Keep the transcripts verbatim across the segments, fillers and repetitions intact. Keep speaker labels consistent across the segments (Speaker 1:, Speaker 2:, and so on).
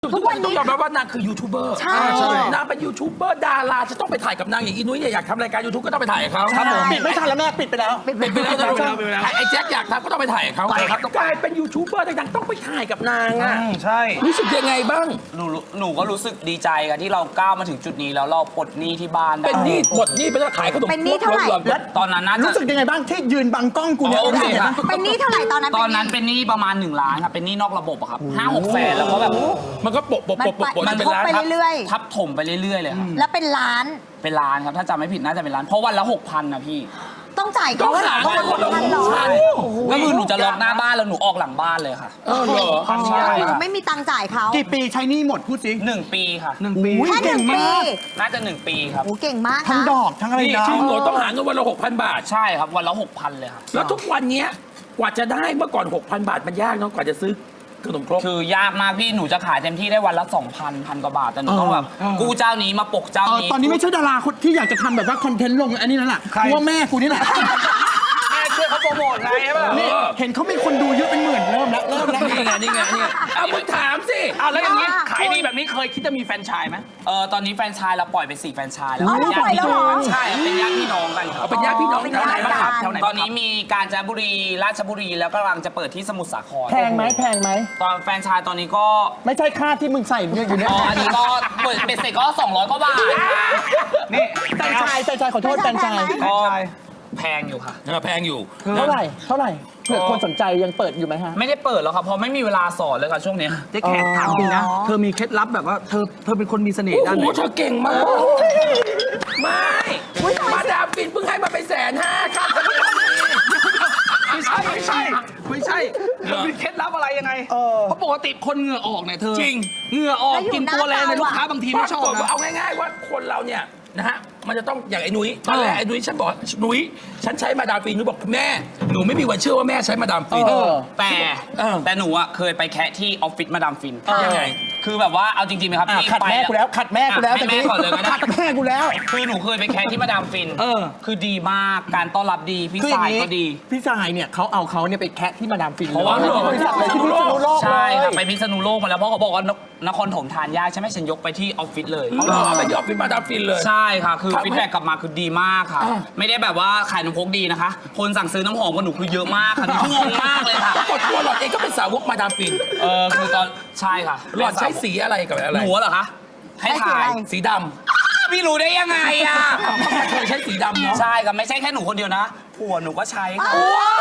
Speaker 1: ทุกวันนี้ต้องยอมรับว่านางคือยูทูบเบอร์ใช่นางเป็นยูทูบเบอร์ดาราจะต้องไปถ่ายกับนางอย่างอีนุ้ยเนี่ยอยากทำรายการยูทูบก็ต้องไปถ่ายกับเขาครับผม
Speaker 2: ปิดไม่ทันแล้วแม่ปิดไปแล้ว
Speaker 1: ปิดไปแล้วไอ้แจ็คอยากทำก็ต้องไปถ่ายกับเขากลายเป็นยูทูบเบอร์ดังๆต้องไปถ่ายกับนางอ่ะ
Speaker 2: ใช่
Speaker 1: รู้สึกยังไงบ้าง
Speaker 3: หนูหนูก็รู้สึกดีใจกันที่เราก้าวมาถึงจุดนี้แล้วเราปลดหนี้ที่บ้านได้
Speaker 1: เป็นหนี้หมดหนี้ไปแล้วขายขนม
Speaker 4: เป็นหนี้เท่าไหร่
Speaker 3: ตอนนั้นน่าจะ
Speaker 2: รู้สึกยังไงบ้างที่ยืนบังกล้องกูเนี่ย
Speaker 4: เป็นหนี้เท่าไหร่ตอนนั้น
Speaker 3: ตอนนั้นเป็นหนี้ประมาณหนึ่งล้านครับเป็นหนี้นอกระบบอะครับห้าหกแสนแล้วก็แบบ
Speaker 1: มันก็โปะโปะโปะโปะ
Speaker 4: มันทบไปเรื่อย
Speaker 3: ๆทับถมไปเรื่อยๆเลยครับ
Speaker 4: แล้วเป็นล้าน
Speaker 3: เป็นล้านครับถ้าจำไม่ผิดน่าจะเป็นล้านเพราะวันละหกพันนะพี่
Speaker 4: ต้องจ่ายเขาหาคนละพันหรอ
Speaker 3: ก็คือหนูจะล็อกหน้าบ้านแล้วหนูออกหลังบ้านเลยค่ะ
Speaker 1: เออเหรอ
Speaker 3: ใช่
Speaker 4: ไม่มีตังค์จ่ายเขา
Speaker 2: กี่ปีใช้หนี้หมดพูดสิ
Speaker 3: หนึ่งปีค่ะ
Speaker 2: หนึ่งปี
Speaker 4: แค่หนึ่งปี
Speaker 3: น่าจะหนึ่งปีครับ
Speaker 4: โอ้เก่งมาก
Speaker 2: ทั้งดอกทั้งอะไรนะ
Speaker 1: จริงเหรอต้องหาเงินวันละหกพันบาท
Speaker 3: ใช่ครับวันละหกพันเลยครับ
Speaker 1: แล้วทุกวันนี้กว่าจะได้เมื่อก่อนหกพันบาทมันยากเนาะกว่าจะซื้อขนมครก
Speaker 3: คือยากมากพี่หนูจะขายเต็มที่ได้วันละสองพันพันกว่าบาทแต่หนูต้องแบบกูเจ้านี้มาปกเจ้านี้
Speaker 2: ตอนนี้ไม่ใช่ดาราคนที่อยากจะทำแบบว่าคอนเทนต์ลงอันนี้นั่นแหละว่าแม่กูนี่แหละ
Speaker 3: แม่ช่วยเขาโปรโมทไงใช่ป่ะ
Speaker 2: นี่เห็นเขามีคนดูเยอะเป็นหมื่นเริ่มแล้วเริ่มแล้ว
Speaker 1: นี่ไงนี่ไงนี่เอามึงถามสิ
Speaker 3: เอาแล้วอย่างนี้ขายดีแบบนี้เคยคิดจะมีแฟรนไชส์ไหมเออตอนนี้แฟรนไชส์เราปล่อยไปสี่แฟรนไชส์แล้ว
Speaker 4: ญาติพี่น้อง
Speaker 3: ใช่เป็นญาติพี่น้องกัน
Speaker 1: เอาเป็นญาติพี่น้องแถวไหนบ้างครับแถวไหน
Speaker 3: ตอนนี้มีกาญจนบุรีราชบุรีแล้วกำลังจะเปิดที่สมุทรสาคร
Speaker 2: แพงไหมแพงไหม
Speaker 3: ตอนแฟรนไชส์ตอนนี้ก็
Speaker 2: ไม่ใช่ค่าที่มึงใส่เนี่ยอยู่เนี่ย
Speaker 3: อ๋ออันนี้ก็เปิดเป็นเสร็จก็สองร้อยกว่าบาท
Speaker 2: นี่แฟรนไชส์แฟรนไชส์ขอโทษแฟรนไชส์
Speaker 3: ก็แพงอยู่ค่ะ
Speaker 1: แพงอยู่
Speaker 2: เท่าไหร่เท่าไหร่เผื่อคนสนใจยังเปิดอยู่ไหมฮะ
Speaker 3: ไม่ได้เปิดแล้วครับเพราะไม่มีเวลาสอนเลยค่ะช่วงนี้
Speaker 5: เจ๊แขกถามจริงนะเธอมีเคล็ดลับแบบว่าเธอเธอเป็นคนมีเสน่ห์ด้านไหน
Speaker 1: โอ้โหเธอเก่งมากไม่มาดามฟินเพิ่งให้มาไปแสนห้าครับ
Speaker 5: ไม่ใช่ไม่ใช่ไม่ใช่เธอมีเคล็ดลับอะไรยังไงเพราะปกติคนเหงื่อออกเนี่ยเธอ
Speaker 1: จริง
Speaker 5: เหงื่อออกกินตัวแรงในลูกค้าบางทีไม่ชอบนะ
Speaker 1: เอาง่ายๆว่าคนเราเนี่ยนะฮะมันจะต้องอย่างไอ้นุ้ยตอนแรกไอ้นุ้ยฉันบอกนุ้ยฉันใช้มาดามฟินนุ้ยบอกแม่หนูไม่มีวันเชื่อว่าแม่ใช้มาดามฟิน
Speaker 3: แต่แต่หนูอ่ะเคยไปแคะที่ออฟฟิศมาดามฟิน
Speaker 1: ยังไง
Speaker 3: คือแบบว่าเอาจริงๆไหมครับ
Speaker 2: ขัดแม่กูแล้วขัดแม่กูแล้ว
Speaker 3: แม่ก่อนเลยก็ได้
Speaker 2: ขัดแม่กูแล้ว
Speaker 3: คือหนูเคยไปแคะที่มาดามฟินคือดีมากการต้อนรับดีพี่สายก็ดี
Speaker 2: พี่สายเนี่ยเขาเอาเขาเนี่ยไปแคะที่มาดามฟิน
Speaker 1: เพราะว่า
Speaker 2: บริษัทเลยที่พิษณุโลก
Speaker 3: ใช่ค่ะไปพิษณุโลกมาแล้วเพราะเขาบอกว่านครถมทานยากใช่ไหมฉันยกไปที่ออฟฟิศเลย
Speaker 1: เขาเอาไปที่ออฟฟิศมาดามฟินเลย
Speaker 3: ใช่ค่ะคือฟีดแบ็กกลับมาคือดีมากค่ะไม่ได้แบบว่าขายน้ำพกดีนะคะคนสั่งซื้อน้ำหอมกับหนูคือเยอะมากค่ะงงมากเลยค่ะ
Speaker 1: กดตัวหลอดเองก็เป็นสาวกมาดามฟิน
Speaker 3: เออคือตอนใช่ค่ะ
Speaker 1: หลอดใช้สีอะไรกับอะไร
Speaker 3: หนูเหรอคะให้ถ่าย
Speaker 1: สีด
Speaker 3: ำพี่รู้ได้ยังไงอ่ะ
Speaker 1: เคยใช้สีดำเนาะ
Speaker 3: ใช่ค่ะไม่ใช่แค่หนูคนเดียวนะผัวหนูก็ใช้ค่ะ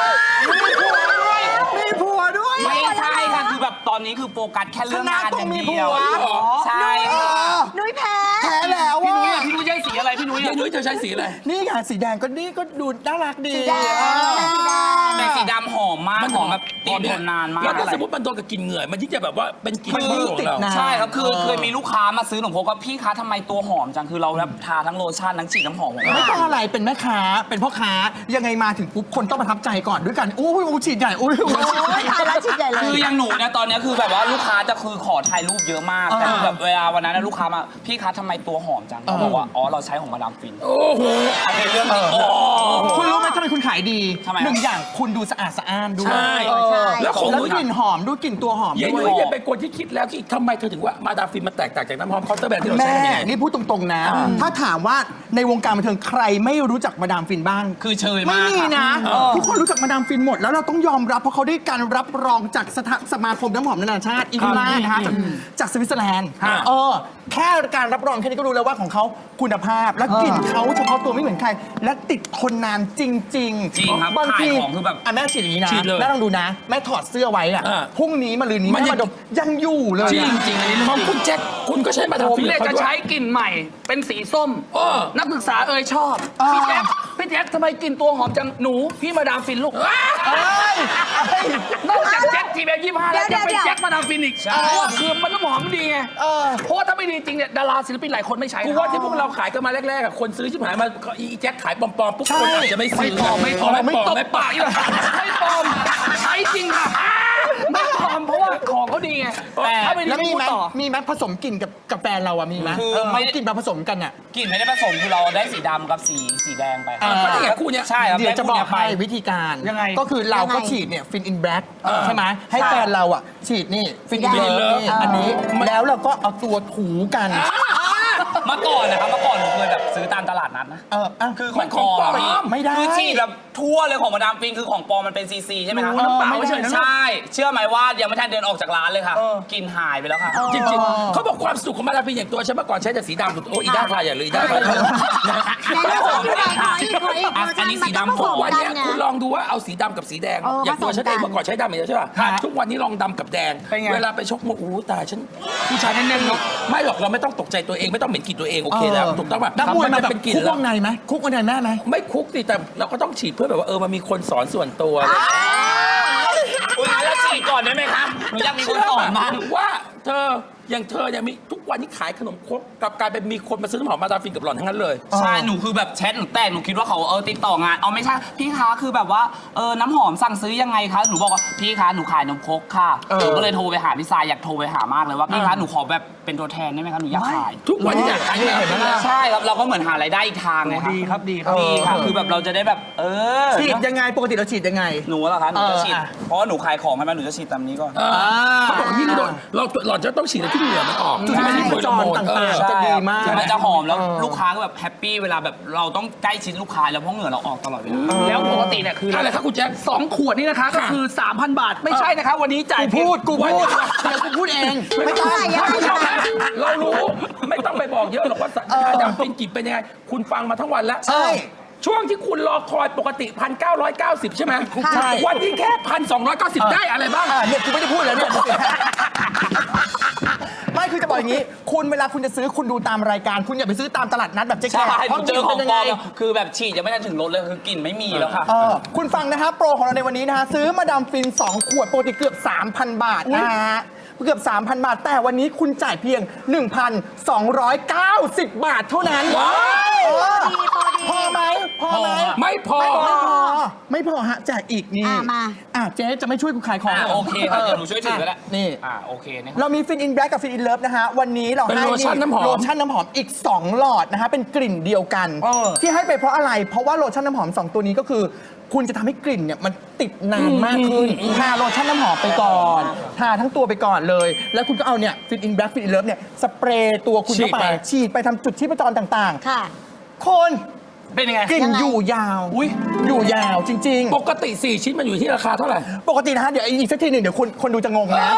Speaker 2: มีผัวด้วย
Speaker 3: ไม่ใช่ค่ะคือแบบตอนนี้คือโฟกัสแค่เรื่องงานอย่างเดียวใช่ค่ะ
Speaker 4: นุ้ยแพ้
Speaker 2: แพ้แล้ว
Speaker 3: พี่นุ้ยพี่นุ้ยใช้สีอะไรพี่นุ้ย
Speaker 1: พี่นุ้ยเธอใช้สีอะไร
Speaker 2: นี่ไงสีแดงก็นี่ก็ดูน่ารักดี
Speaker 3: แต่สีดำหอมมากหอมแบบติดทนนานมาก
Speaker 1: แล้วถ้าสมมติมันโดนกับกลิ่นเหงื่อมันที่จะแบบว่าเป็นกลิ่นของเรา
Speaker 3: ใช่ครับคือเคยมีลูกค้ามาซื้อหนูพกว่าพี่คะทำไมตัวหอมจังคือเราแบบทาทั้งโลชั่นทั้งฉีดน้ำหอม
Speaker 2: ไม่ต้องอะไรเป็นแม่ค้าเป็นพ่อค้ายังไงมาถึงปุ๊บคนต้องประทับใจก่อนด้วยกันโอ้ยโอ้ฉีดใหญ่โอ้ยโอ้
Speaker 4: ยทาแล้วฉีดใหญ่เลย
Speaker 3: คืออย่างหนูเนี่ยตอนนี้คือแบบว่าลูกค้าจะคือขอถ่ายรูปเยอะมากแต่แบบเวลาวันนั้นลูกค้ามาพี่คะทำไมตัวหอมจังเขาบอกว่าอ๋อเราใช้ของมาดามฟิน
Speaker 1: โอ้โห
Speaker 3: อันนี้เรื่องจริง
Speaker 2: คุณรู้ไหมทำไมคุณขายดีหนึ่งอย่างคุณดูสะอาดสะอ้านด้วยแล้วของกลิ่นหอมด้วยกลิ่นตัวหอม
Speaker 1: ด้วยยังยังเป็นคนที่คิดแล้วที่ทำไมเธอถึงว่ามาดามฟินมันแตกต่างจากน้ำหอมเคาน์เตอร์แบรนด์ที่เราใช้
Speaker 2: แม่นี่พูดตรงๆนะถ้าถามว่าในวงการบันเทิงใครไม่รู้จักมาดามฟินบ้าง
Speaker 3: คือเชยมาก
Speaker 2: ไม่มีนะทุกคนรู้จักมาดามฟินหมดแล้วเราต้องยอมรับเพราะเขาได้การรับรองจากสมาคมน้ำหอมนานาชาติอีกมานะคะจากสวิตเซอร์แลนด์เออแค่การรับรองแค่นี้ก็รู้แล้วว่าของเขาคุณภาพและกลิ่นเขาเฉพาะตัวไม่เหมือนใครและติดทนนานจริงๆจริง
Speaker 3: ครับ
Speaker 2: บางที
Speaker 3: ของคือแบบ
Speaker 2: แม่ฉีดอย่างนี้นะแม่ลองดูนะแม่ถอดเสื้อไว้อะพรุ่งนี้มะรืนนี้แม่มาดมยังอยู่เลย
Speaker 1: จริงจริงของคุณแจ็คคุณก็ใช้มาดามฟิน
Speaker 5: ผมเนี่ยจะใช้กลิ่นใหม่เป็นสีส้มนักศึกษาเอ่ยชอบพี่แจ็คพี่แจ็คทำไมกลิ่นตัวหอมจังหนูพี่มาดามฟินลูกนอกจากแจ็คทีเบลยี่ห้าแล้วยังเป็นแจ็คมาดามฟินอีกเพราะว่าคือมันน้ำหอมดีไงเพราะว่าถ้าไม่ดีจริงเนี่ยดาราศิลปินหลายคนไม่ใช้
Speaker 1: กูว่าที่พวกเราขายกันมาแรกๆคนซื้อชิบหายมาอีแจ็คขายปลอมๆปุ๊บคนอาจจะไม่ซื้อ
Speaker 5: ไม่ปลอมไม่ปลอมไม่ปลอมไม่ปลอมไม่ปลอมใช้จริงค่ะไม่ปลอมำเพราะว่าของเขาดีไง
Speaker 3: แต่
Speaker 5: ถ้าไม่ดี
Speaker 2: แล้ว
Speaker 5: ไม่
Speaker 2: มี
Speaker 5: พูด
Speaker 2: ไหม
Speaker 5: ต่อ
Speaker 2: มีไหมผสมกลิ่นกับกับแฟนเราอะมีไหม
Speaker 3: คือ
Speaker 2: เออ
Speaker 3: ไม่
Speaker 2: กลิ่นมาผสมกันอะ
Speaker 3: กลิ่นไม่ได้ผสมคือเราได้สีดำกับสีสีแดงไป
Speaker 2: อ่า
Speaker 1: ก็นี่ไงคู่เนี้ย
Speaker 3: ใช่ครับ
Speaker 2: เดี๋ยวจะบอกให้
Speaker 3: ได้คู่เนี้ยไป
Speaker 2: วิธีการ
Speaker 5: ยังไง
Speaker 2: ก็คือเราก็
Speaker 4: ยังไง
Speaker 2: ฉีดเนี่ยฟินอินแบล็กใช่ไหมให้
Speaker 4: ใช่
Speaker 2: แฟนเราอะฉีดนี่ฟินอิน
Speaker 1: Fin in
Speaker 2: เลิฟ
Speaker 1: Love
Speaker 2: นี่อันนี้แล้วเราก็เอาตัวถูกัน
Speaker 3: เมื่อก่อนนะครับเมื่อก่อนผมเคยแบบซื้อตามตลาดนัดนะ
Speaker 2: เอออ่ะ
Speaker 3: คือข
Speaker 1: มั
Speaker 3: อน ง
Speaker 1: ของปลอม
Speaker 3: พี่
Speaker 2: ไม่ได้
Speaker 3: คือฉีดแบบทั่วเลยของมาดามฟินคือของปลอมมันเป็นซีซีใช่ไหมครับ
Speaker 5: รู้น้ำเปล่า
Speaker 2: ไม่ได้
Speaker 5: เฉยๆนะ
Speaker 3: ใช่ เชื่อไหมว่ายังไม่ทันเดินออกจากร้านเลยค่ะกลิ่นหายไปแล้วค่ะ
Speaker 1: จริงๆ เขาบอกความสุขของมาดามฟินอย่างตัวฉันเมื่อก่อนใช้แต่สีดำสุดโอ้อีด้าพายอย่าเลยอีด้าพาย
Speaker 4: ไหนเราขอพี่ไปขออีกขออีก
Speaker 3: อ่ะ
Speaker 4: เวอร์
Speaker 3: อั
Speaker 4: ชั
Speaker 3: น
Speaker 4: น
Speaker 3: นี้
Speaker 4: มั
Speaker 3: สี
Speaker 4: นต้อง
Speaker 3: ดำ
Speaker 4: ผสม
Speaker 1: วัน
Speaker 4: กัน
Speaker 1: เนี้ย
Speaker 4: ไง
Speaker 1: คุณลองดูว่าเอาสีดำกับสีแดง
Speaker 4: เออ
Speaker 1: อย่างตัวฉันเอง
Speaker 4: ผสมกัน
Speaker 1: เมื่อก่อนใช้ดำอย่างเดียวใช่ป่ะ
Speaker 5: ครับ
Speaker 1: ทุกวันนี้ลองดำกับแดง
Speaker 5: เป็นไง
Speaker 1: เวลาไปชกมวยโอ้โหตายฉันผู้ชายแน่นๆเนาะไม่หรอกเราไม่ต้องตกใจตัวเองไม่ต้องเหม็นกลิ่นตัวเองโอเคแล้วถูกต้องป่ะ
Speaker 2: นักมวยมาแบบ
Speaker 1: เป็นกลิ่น
Speaker 2: คุก
Speaker 1: แล้ว
Speaker 2: วงในไหมคุกวงในแม่ไหม
Speaker 1: ไม่คุกสิแต่เราก็ต้องฉีดเพื่อแบบว่าเออมันมีคนสอนส่วนตัวอะไรอย่างเงี้ย
Speaker 3: คุณงั้นเราฉีดก่อนได้ไหมครับหนูอยากมีคนสอนมาก
Speaker 1: ว่าเธออย่างเธอเนี่ยมีทุกวันนี้ขายขนมครกกลับกลายเป็นมีคนมาซื้อน้ำหอมมาดามฟินกับหล่อนทั้งนั้นเลย
Speaker 3: ใช่ หนูคือแบบแชทหนูแตกหนูคิดว่าเขาเออติดต่องาน เอาไม่ใช่ พี่คะคือแบบว่าเออน้ำหอมสั่งซื้อยังไงคะ หนูบอกว่าพี่คะหนูขายนมครกค่ะ
Speaker 2: เออ
Speaker 3: หนูก็เลยโทรไปหาพี่ซายอยากโทรไปหามากเลยว่าพี่คะหนูขอแบบเป็นตัวแทนได้ไหมคะหนูอยากขาย
Speaker 1: ทุกวันนี้อยากขาย
Speaker 2: นี่เห็นไหมล่ะ
Speaker 3: ใช่ครับเราก็เหมือนหารายได้อีกทางไงครับ
Speaker 5: ดีครับดีครับ
Speaker 3: ดีค่ะคือแบบเราจะได้แบบเออ
Speaker 2: ฉีดยังไงปกติเราฉีดยังไง
Speaker 3: หนูเหรอคะหนูจะฉีด
Speaker 2: เอออ่ะ
Speaker 3: เพราะว่าหนูขายของให้มันหนูจะฉีดตามนี้ก่อน
Speaker 1: เออเขาบอกยิ่งโดนเราหล่อนจะต้องฉีดอะไรที่เหงื่อมันออกที่ไม่ใช่
Speaker 2: ใช่
Speaker 1: โดนโมน
Speaker 2: ต่างๆ
Speaker 1: เออ
Speaker 2: จะดีมาก
Speaker 3: มันจะหอมแล้ว
Speaker 2: เออ
Speaker 3: ลูกค้าก็แบบแฮปปี้เวลาแบบเราต้องใกล้ชิดลูกค้าแล้วเพราะเหงื่อเราออกตลอดเวลา
Speaker 5: แล้วปกติเนี่ยคือ
Speaker 1: อะไรครับคุณแจ็ค
Speaker 5: สองขวดนี่นะคะก็คือ สามพัน บาท ไม่ใช่นะคะวันนี้จ่าย
Speaker 2: กู
Speaker 5: เพียง
Speaker 2: พูดกูพูดเดี๋ยวกูพูดเองไม่ต้อง
Speaker 4: ยังไง
Speaker 1: ท่านผู้ช
Speaker 4: ยั
Speaker 1: ม
Speaker 4: งไง
Speaker 1: ฮะเรารู้ไม่ต้องไปบอกเยอะหรอกว่ามาดามฟินกลิ่นเป็นยังไง คุณฟังมาทั้งวันแล้ว
Speaker 2: ใช่
Speaker 1: ช่วงที่คุณรอคอยปกติ พันเก้าร้อยเก้าสิบ ใช่ไหม
Speaker 2: ใช่
Speaker 1: วันนี้แค่ พันสองร้อยเก้าสิบ ได้อะไรบ้าง
Speaker 2: อ่ะเนี่ยกูไม่ได้พูดแล้วเนี่ย ไม่คือจะบอกอย่างนี้ คุณเวลาคุณจะซื้อคุณดูตามรายการ คุณอย่าไปซื้อตามตลาดนัดแบบเจ๊แข
Speaker 3: ใช่
Speaker 2: ก
Speaker 3: ห
Speaker 2: เพ
Speaker 3: นู
Speaker 2: ราะ
Speaker 3: เจอของ
Speaker 2: เป็นยัง
Speaker 3: ปล
Speaker 2: ไง
Speaker 3: อมคือแบบฉีดยังไม่ทันถึงรถเลยคือกลิ่นไม่มีแล้วค่ะ
Speaker 2: เออคุณฟังนะฮะโปรของเราในวันนี้นะฮะซื้อมาดามฟิน สอง ขวดปกติเกือบ สามพัน บาทนะฮะเกือบ สามพัน บาท แต่วันนี้คุณจ่ายเพียง หนึ่งพันสองร้อยเก้าสิบ บาทเท่านั้น
Speaker 1: ว้าว
Speaker 2: เออ
Speaker 4: ดีโปรดี
Speaker 2: พอไหมพอไหม
Speaker 1: ไม่พอ
Speaker 2: ไม่พอ ไม่พอฮะแจกอีกนี่
Speaker 4: อ่ะมา
Speaker 2: อ่ะเจ๊จะไม่ช่วยกูขายของ
Speaker 3: อ่ะ
Speaker 2: หร
Speaker 3: โอเคครับเดี๋ยวหนูช่วยถือก็ได้
Speaker 2: นี่
Speaker 3: อ่าโอเคนะครับ
Speaker 2: เรามีฟินอินแบล็กกับฟินอินเลิฟนะฮะ วันนี้เรา
Speaker 1: เป็น
Speaker 2: ให้
Speaker 1: โลชั่นน้ำหอม
Speaker 2: โลชั่นน้ำหอมอีก สอง หลอดนะฮะ เป็นกลิ่นเดียวกัน
Speaker 5: เออ
Speaker 2: ที่ให้ไปเพราะอะไร เพราะว่าโลชั่นน้ำหอม สอง ตัวนี้ก็คือ คุณจะทำให้กลิ่นเนี่ยมันติดนานมากขึ้นทาโลชั่นน้ำหอมไปก่อนทาทั้งตัวไปก่อนเลย แล้วคุณก็เอาเนี่ยฟินอินแบล็กฟินอินเลิฟเนี่ยสเปรย์ตัวคุณเข้า
Speaker 1: ฉีด
Speaker 2: ไป
Speaker 1: ไป
Speaker 2: ฉีดไปทำจุดที่ประจรต่าง
Speaker 4: ค่ะ
Speaker 2: ๆ คน
Speaker 5: เป็นยังไง
Speaker 2: กลิ่น
Speaker 4: ยังไง
Speaker 2: อยู่ยาว
Speaker 5: อุ๊ย
Speaker 2: อยู่ยาวจริง ๆ
Speaker 1: ปกติ สี่ ชิ้นมันอยู่ที่ราคาเท่าไหร่
Speaker 2: ปกตินะฮะ เดี๋ยวอีกสักทีหนึ่งเดี๋ยวคนคนดูจะงงนะ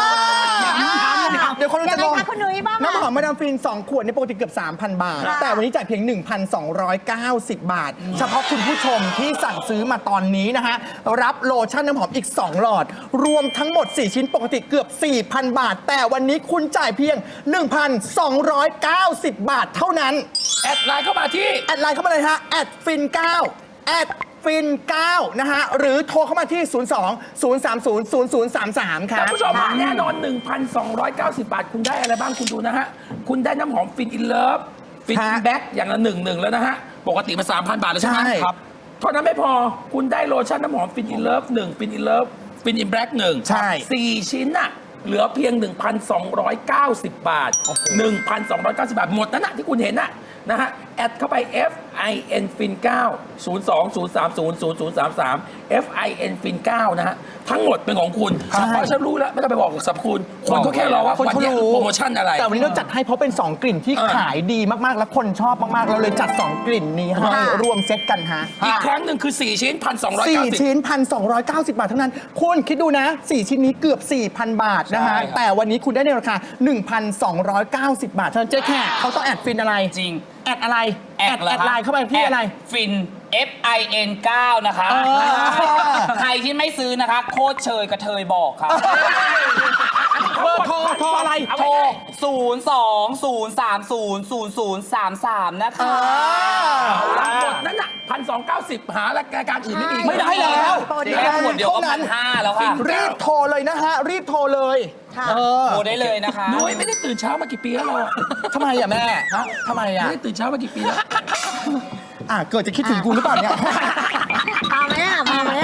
Speaker 2: เดี๋ยวคนดูจะงง
Speaker 4: ยังไงคะคุณนุ้ยบ้างอะ
Speaker 2: น้ำหอมมาดามฟิน สอง ขวดนี่ปกติเกือบ สามพัน บาท
Speaker 4: ค่ะ
Speaker 2: แต่วันนี้จ่ายเพียง หนึ่งพันสองร้อยเก้าสิบ บาท เฉพาะคุณผู้ชมที่สั่งซื้อมาตอนนี้นะฮะ รับโลชั่นน้ำหอมอีก สอง หลอด รวมทั้งหมด สี่ ชิ้นปกติเกือบ สี่พัน บาท แต่วันนี้คุณจ่ายเพียง หนึ่งพันสองร้อยเก้าสิบ บาทเท่านั้น
Speaker 1: แอดไลน์เข้ามาที่
Speaker 2: แอดไลน์เข้ามาเลยฮะแอดฟินเก้าแอดฟินเก้านะฮะ หรือโทรเข้ามาที่ ศูนย์ สอง ศูนย์ สาม ศูนย์ ศูนย์ ศูนย์ สาม สาม ครั
Speaker 1: ท่าน
Speaker 2: บ
Speaker 1: ผู้ชมฮะแน่นอน หนึ่งพันสองร้อยเก้าสิบ บาท คุณได้อะไรบ้างคุณดูนะฮะ คุณได้น้ำหอมฟินอินเลิฟฟิน
Speaker 2: ฮะ
Speaker 1: แบ็กอย่างละหนึ่งหนึ่งแล้วนะฮะ ปกติมา สามพัน บาทแล้วใช่ไหม
Speaker 2: ใช่
Speaker 1: ครับเท่านั้นไม่พอคุณได้โลชั่นน้ำหอมฟินอินเลิฟหนึ่งฟินอินเลิฟฟินอินแบล็กหนึ่ง
Speaker 2: ใช่
Speaker 1: สี่ชิ้นน่ะเหลือเพียง หนึ่งพันสองร้อยเก้าสิบ บาท หนึ่งพันสองร้อยเก้าสิบ บาท หมดนั่นน่ะที่คุณเห็นน่ะนะฮะ แอดเข้าไป F I N Fin เก้า ศูนย์ สอง ศูนย์ สาม ศูนย์ ศูนย์ ศูนย์ สาม สาม F I N Fin เก้า นะฮะ ทั้งหมดเป็นของคุณ
Speaker 2: ใช่
Speaker 1: เพราะฉันรู้แล้ว ไม่ต้องไปบอกสรรพคุณ คนเขาแค่รอว่าวันนี้โปรโมชั่นอะไร
Speaker 2: แต่วันนี้เราจัดให้เพราะเป็น สอง กลิ่นที่
Speaker 1: เออ
Speaker 2: ขายดีมาก ๆ และคนชอบมาก ๆ เราเลยจัด สอง กลิ่นนี้ให้
Speaker 4: ค่ะ
Speaker 2: รวมเซตกันฮะ
Speaker 1: อีกครั้งหนึ่งคือ สี่ ชิ้น หนึ่งพันสองร้อย
Speaker 2: สี่
Speaker 1: เก้าสิบ
Speaker 2: ชิ้น หนึ่งพันสองร้อยเก้าสิบ บาทเท่านั้น คุณคิดดูนะ สี่ ชิ้นนี้เกือบ สี่พัน บาทนะฮะ
Speaker 1: ใช่ครับ
Speaker 2: แต่วันนี้คุณได้ในราคา หนึ่งพันสองร้อยเก้าสิบ บาทเท่านั้นเจ๊แค่เขาต้องแอดฟินอะไร
Speaker 3: จริง
Speaker 2: แอดอะไร
Speaker 3: แอด
Speaker 2: แอดไลน์เข้าไปที่อะไร
Speaker 3: ฟิน F I N เก้า นะคะ
Speaker 2: เออ
Speaker 3: ใครที่ไม่ซื้อนะคะ โคตรเชยกระเทยบอกครับ
Speaker 2: เบอร์โทรโทรอะไร
Speaker 3: โทร ศูนย์ สอง ศูนย์ สาม ศูนย์ ศูนย์ ศูนย์ สาม สาม นะคะ
Speaker 1: เอาละหมดนั่นน่ะพันสองเก้าสิบหารายการอื่นไม่มี
Speaker 2: ไม่ได้แล้ว
Speaker 4: โปรดี
Speaker 3: แค่ขวดเดียวก็
Speaker 2: เท่านั้
Speaker 3: พั
Speaker 2: น
Speaker 3: นห้าแล้วค่ะ
Speaker 2: รีบโทรเลยนะฮะ รีบโทรเลย
Speaker 4: ค่ะ
Speaker 2: เออ
Speaker 3: โทรได้เลยนะคะ
Speaker 1: นุ้ยไม่ได้ตื่นเช้ามากี่ปีแล้วเราอะ
Speaker 2: ทำไมอ่ะแม่ฮะทำไมอ่ะ
Speaker 1: ไม่ได้ตื่นเช้ามากี่ปีแล้ว
Speaker 2: อ่ะเกิดจะคิดถึงกูหรือเปล่าเนี่ย
Speaker 4: มาไหมอ่ะมาไหมอ่ะ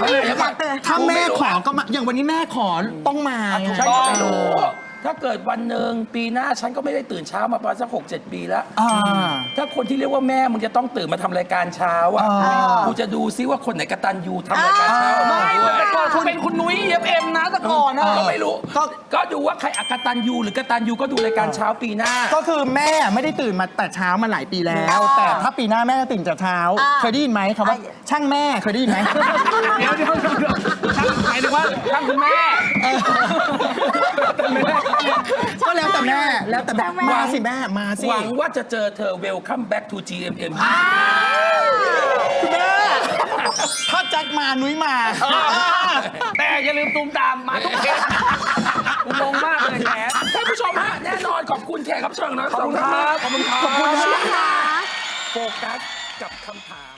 Speaker 1: มาเดี๋ยวก่อน
Speaker 2: ถ้าแม่ขอก็มาอย่างวันนี้แม่ขอต้องมาไง
Speaker 1: ฉันก็ไม่รู้ ถ้าเกิดวันหนึ่งปีหน้าฉันก็ไม่ได้ตื่นเช้ามาประมาณสักหกเจ็ดปีแล้ว
Speaker 2: อ่า
Speaker 1: ถ้าคนที่เรียกว่าแม่มึงจะต้องตื่นมาทำรายการเช้าอ่ะ
Speaker 2: อ่า
Speaker 1: กูจะดูซิว่าคนไหนกตัญญูทำรายการเช้าออกมา
Speaker 5: ไม่
Speaker 1: ด้วย
Speaker 5: แต่ก่อนเขาเป็นคุณนุ้ยเอฟเอ็มนะแต่ก่อนนะ
Speaker 1: ก็ไม่รู้
Speaker 2: ก็
Speaker 1: ก็ดูว่าใครอกตัญญูหรือกตัญญูก็ดูรายการเช้าปีหน้า
Speaker 2: ก็คือแม่ไม่ได้ตื่นมาแต่เช้ามาหลายปีแล้ว แต่ถ้าปีหน้าแม่จะตื่นแต่เช้า
Speaker 4: อ่า
Speaker 2: เคยได้ยินไหมคำว่าช่างแม่เคยได้ยินไหม
Speaker 5: เดี๋ยวเดี๋ยวเดี๋ยวช่างหมายถึงว่าช่างคุณแม่
Speaker 2: ก็แล้วแต่แม่แล้วแต่แบบมาสิแม่มาสิ
Speaker 1: หวังว่าจะเจอเธอ Welcome back to จี เอ็ม เอ็ม
Speaker 2: คุณแม่ถ้าแจ็คมานุ้ยมา
Speaker 5: แต่อย่าลืมตูมตามมาทุกเทปกูงงมากเลยแหม
Speaker 1: ท่านผู้ชมฮะแน่นอนขอบคุณแขกรับเชิญของเรา
Speaker 5: ขอบคุณครับ
Speaker 1: ขอบคุณครับ
Speaker 2: ขอบคุณครับ
Speaker 1: โฟกัสกับคำถาม